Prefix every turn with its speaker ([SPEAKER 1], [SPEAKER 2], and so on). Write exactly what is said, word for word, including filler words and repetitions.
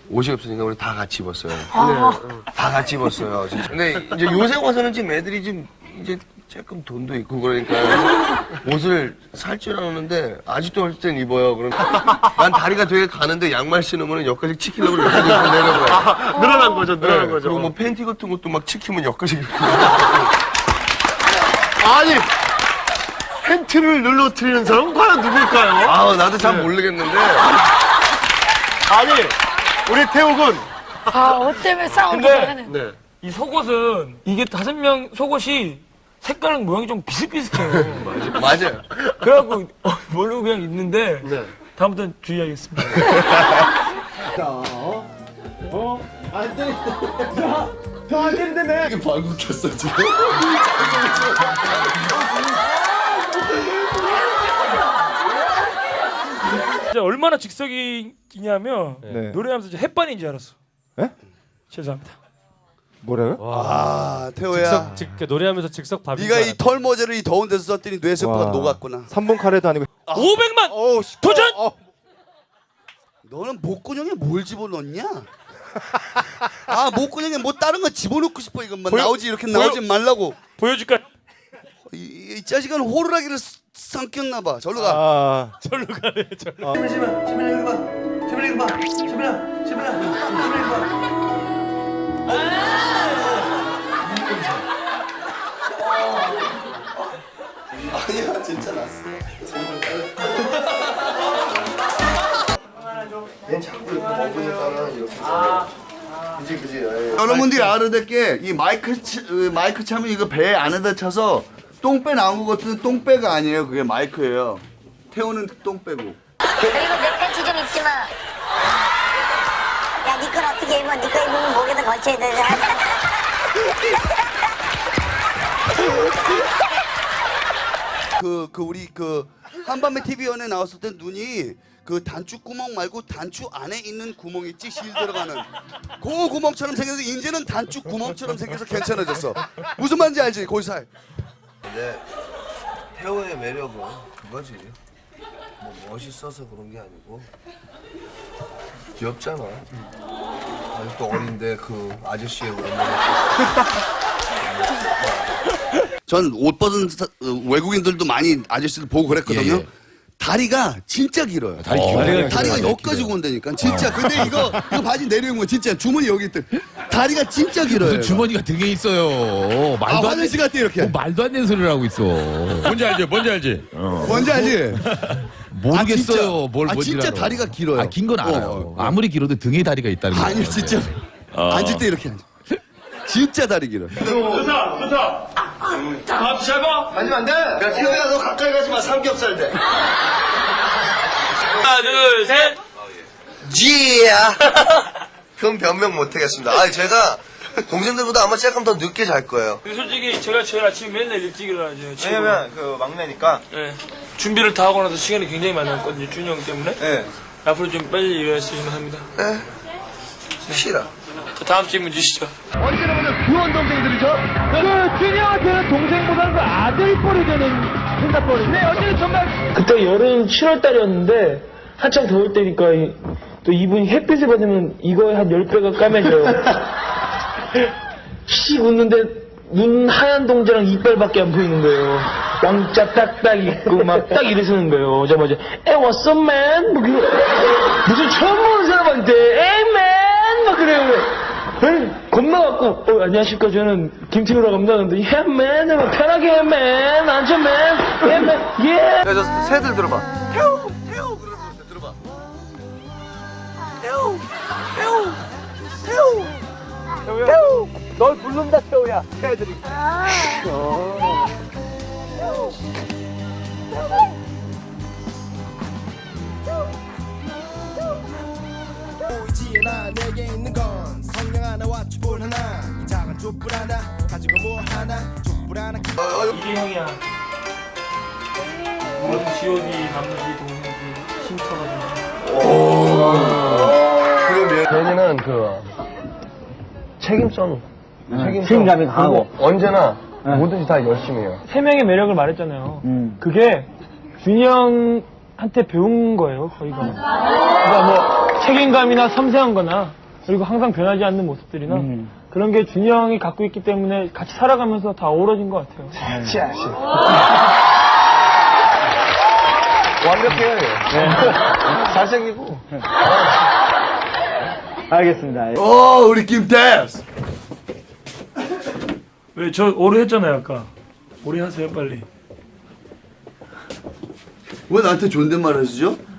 [SPEAKER 1] 옷이 없으니까 우리 다 같이 입었어요. 아. 네. 다 같이 입었어요. 진짜. 근데 이제 요새 와서는 지금 애들이 좀 이제 조금 돈도 있고 그러니까 옷을 살 줄 아는데 아직도 할 땐 입어요. 그럼 난 다리가 되게 가는데 양말 신으면 여기까지 치키려고 여기까지 내려가요.
[SPEAKER 2] 아, 늘어난 거죠, 늘어난
[SPEAKER 1] 네.
[SPEAKER 2] 거죠.
[SPEAKER 1] 그리고 뭐 팬티 같은 것도 막 치키면 여기까지 이렇게.
[SPEAKER 2] 아니, 팬티를 눌러뜨리는 사람은 과연 누굴까요?
[SPEAKER 1] 아, 나도 잘 모르겠는데.
[SPEAKER 2] 아니, 우리 태욱은.
[SPEAKER 3] 아, 옷 때문에 싸우기도
[SPEAKER 4] 근데-
[SPEAKER 3] 하는.
[SPEAKER 2] 네.
[SPEAKER 4] 이 속옷은 이게 다섯 명 속옷이 색깔은 모양이 좀 비슷비슷해요.
[SPEAKER 1] 맞아요.
[SPEAKER 4] 그래갖고 어, 모르고 그냥 입는데
[SPEAKER 2] 네.
[SPEAKER 4] 다음부터는 주의하겠습니다.
[SPEAKER 1] 이게 방구 꼈어, 지금.
[SPEAKER 4] 진짜 얼마나 즉석이냐면
[SPEAKER 5] 네.
[SPEAKER 4] 노래하면서 이제 햇반인 줄 알았어.
[SPEAKER 5] 에?
[SPEAKER 4] 죄송합니다.
[SPEAKER 5] 뭐라고요?
[SPEAKER 6] 아, 태호야.
[SPEAKER 7] 즉석, 즉, 그 노래하면서 즉석 밥인
[SPEAKER 6] 네가
[SPEAKER 7] 줄
[SPEAKER 6] 이
[SPEAKER 7] 알았다.
[SPEAKER 6] 털모자를 이 더운 데서 썼더니 뇌세포가
[SPEAKER 5] 와.
[SPEAKER 6] 녹았구나.
[SPEAKER 5] 삼 분 카레도 아니고.
[SPEAKER 4] 오백만
[SPEAKER 6] 어우, 씨.
[SPEAKER 4] 도전!
[SPEAKER 6] 어. 너는 목구멍에 뭘 집어넣냐? 아, 목구멍에 뭐 다른 거 집어넣고 싶어 이것만
[SPEAKER 4] 보여-
[SPEAKER 6] 나오지 이렇게
[SPEAKER 4] 보여-
[SPEAKER 6] 나오지 말라고.
[SPEAKER 4] 보여줄까?
[SPEAKER 6] 이, 이, 이 자식은 호루라기를 삼켰나 봐. 절로 가.
[SPEAKER 5] 아,
[SPEAKER 4] 절로 가네. 절로.
[SPEAKER 1] 재민아, 재민아, 이거 봐. 재민아, 이거 봐. 재민아, 재민아, 재민아, 이거 봐.
[SPEAKER 6] 아니야, 진짜 났어.
[SPEAKER 1] 얜 자꾸 이렇게 먹으니까 이렇게. 그지, 그지.
[SPEAKER 6] 여러분들이 알아야 될 게 이 마이크 치- 어, 마이크 차면 이거 배 안에다 쳐서 똥배 나온 것 같은데 똥배가 아니에요. 그게 마이크예요. 태우는 똥배고.
[SPEAKER 8] 그리고 내 팬티 좀 입지 마. 야, 니 건 어떻게 입어? 니 거 입으면 목에다 걸쳐야 되잖아.
[SPEAKER 6] 그, 그 우리 그 한밤의 티비 연애 나왔을 때 눈이 그 단추 구멍 말고 단추 안에 있는 구멍 있지 실 들어가는 그 구멍처럼 생겨서 이제는 단추 구멍처럼 생겨서 괜찮아졌어. 무슨 말인지 알지? 거기 살.
[SPEAKER 1] 근데 태호의 매력은 그거지. 뭐 멋있어서 그런 게 아니고 귀엽잖아. 아직도 어린데 그 아저씨의 그런 매력.
[SPEAKER 6] 전 옷 벗은 사- 어, 외국인들도 많이 아저씨들 보고 그랬거든요.
[SPEAKER 9] 예, 예.
[SPEAKER 6] 다리가 진짜 길어요.
[SPEAKER 9] 다리 길어요.
[SPEAKER 6] 다리가,
[SPEAKER 9] 다리가 길어요.
[SPEAKER 6] 여기까지 온다니까. 진짜. 근데 이거 이거 바지 내려온 거 진짜 주머니 여기 있대. 다리가 진짜 길어요.
[SPEAKER 9] 무슨 주머니가 등에 있어요.
[SPEAKER 6] 아,
[SPEAKER 9] 말도 안
[SPEAKER 6] 화장실 갔대 이렇게.
[SPEAKER 9] 뭐 말도 안 되는 소리를 하고 있어.
[SPEAKER 7] 뭔지 알지? 뭔지 알지? 어.
[SPEAKER 6] 뭔지 알지?
[SPEAKER 9] 모르겠어요.
[SPEAKER 6] 아, 진짜.
[SPEAKER 9] 뭘
[SPEAKER 6] 아,
[SPEAKER 9] 뭔지
[SPEAKER 6] 진짜
[SPEAKER 9] 알아.
[SPEAKER 6] 다리가 길어요.
[SPEAKER 9] 아, 긴 건 알아요.
[SPEAKER 6] 어, 어.
[SPEAKER 9] 아무리 길어도 등에 다리가 있다는 거.
[SPEAKER 6] 아니 진짜 앉을 때 이렇게 앉아. 진짜 다리 길어.
[SPEAKER 4] 좋다, 좋다. 밥 잡아.
[SPEAKER 1] 만지면 안 돼! 야, 태호야, 너 가까이 가지 마. 삼겹살 돼.
[SPEAKER 4] 하나, 둘, 셋.
[SPEAKER 1] 지야! 그건 변명 못 하겠습니다. 아, 제가 동생들보다 아마 조금 더 늦게 잘 거예요.
[SPEAKER 4] 솔직히 제가 제일 아침에 맨날 일찍 일어나죠.
[SPEAKER 2] 왜냐면 그 막내니까.
[SPEAKER 4] 네. 준비를 다 하고 나서 시간이 굉장히 많이 남거든요. 준이 형 때문에.
[SPEAKER 2] 네.
[SPEAKER 4] 앞으로 좀 빨리 일어났으면 합니다.
[SPEAKER 1] 에? 싫어.
[SPEAKER 4] 자, 다음 질문 주시죠.
[SPEAKER 2] 그 동생들이죠?
[SPEAKER 4] 그 준이 형한테는 동생보다는 그 아들 뻘이 되는 생각벌이. 네, 어제는 정말. 그때 여름 칠월달이었는데 한창 더울 때니까 이, 또 이분이 햇빛을 받으면 이거에 한 열 배가 까매져요. 씩 웃는데 눈 하얀 동자랑 이빨밖에 안 보이는 거예요. 왕자 딱딱 있고 막 딱 이러시는 거예요. 오자마자 에 what's up man? 뭐 그래. 무슨 처음 보는 사람한테 에이 man 막 그래요. 에이, 겁나갖고 어, 안녕하십니까 저는 김태우라고 합니다. 근데 yeah man 막 편하게 해 man 앉아 man yeah man yeah.
[SPEAKER 2] 야, 저 새들 들어봐.
[SPEAKER 6] 태우 태우 그러면서 들어봐. 태우 태우 태우
[SPEAKER 2] 태우! 널 부른다, 태우야. 새들이.
[SPEAKER 10] 보이지나 내게 있는 건 성냥 하나와 촛불 하나 이 작은 촛불 하나 가지고 뭐 하나 촛불 하나
[SPEAKER 4] 이게 형이야. 모든 지오디 남지 동생들 힘써가지고.
[SPEAKER 1] 얘는 그 책임성, 책임성,
[SPEAKER 4] 책임감이 강하고.
[SPEAKER 1] 그리고 언제나 뭐든지 다 열심히 해요.
[SPEAKER 4] 세 명의 매력을 말했잖아요. 그게 준이 형 한테 배운 거예요, 거의가. 그러니까 뭐 책임감이나 섬세한-거나 그리고 항상 변하지 않는 모습들이나
[SPEAKER 2] 음.
[SPEAKER 4] 그런 게 준이 형이 갖고 있기 때문에 같이 살아가면서 다 어우러진 것 같아요.
[SPEAKER 1] 완벽해요. 얘. 잘생기고.
[SPEAKER 2] 알겠습니다.
[SPEAKER 6] 어 우리 김태스.
[SPEAKER 4] 왜 저 오래 했잖아요, 아까. 오래 하세요, 빨리.
[SPEAKER 6] 왜 나한테 존댓말 해주죠?